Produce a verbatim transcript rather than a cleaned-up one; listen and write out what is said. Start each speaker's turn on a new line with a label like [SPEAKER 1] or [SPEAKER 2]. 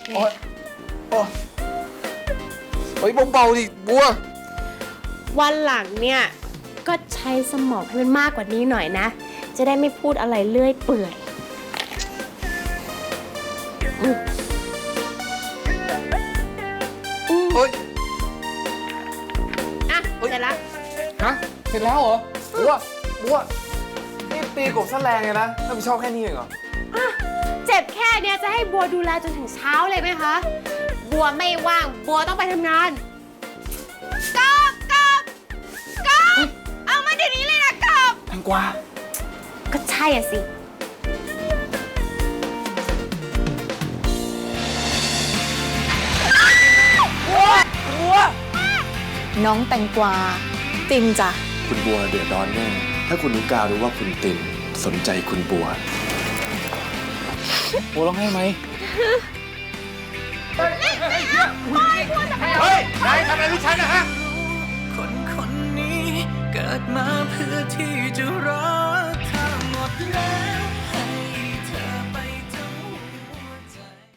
[SPEAKER 1] โอ๊ยโอ๊ยเฮ้ยเบาๆดิบัว
[SPEAKER 2] วันหลังเนี่ยก็ใช้สมองให้มันมากกว่านี้หน่อยนะ จะได้ไม่พูดอะไรเลื่อยเปื่อยอืมอืม
[SPEAKER 1] เฮ้ย
[SPEAKER 2] อ่ะเสร็จแล้ว
[SPEAKER 1] ฮะเสร็จแล้วเหรอบัวบัวนี่ตีกบซะแรงเลยนะรับผิดชอบแค่นี้เองเหรอ
[SPEAKER 2] อ่ะเจ็บแค่เนี้ยจะให้บัวดูแลจนถึงเช้าเลยไหมคะ บัวไม่ว่าง บัวต้องไปทำงานกบกบกบเอามาเดี๋ยวนี้เลยนะกบ
[SPEAKER 1] แตงกวา
[SPEAKER 2] ก็ใช่อ่ะสิ
[SPEAKER 3] น้องแตงกวาติมจ้ะ
[SPEAKER 4] คุณบัวเดือดร้อนแน่ ถ้าคุณนุการู้ว่าคุณตินสนใจคุณบัว
[SPEAKER 1] บัวร้องไห้ไหม
[SPEAKER 4] เฮ้ยนายทำอะไรลูกฉันนะฮะ
[SPEAKER 5] คนคนนี้เกิดมาเพื่อที่จะรักเธอหมดแล้ว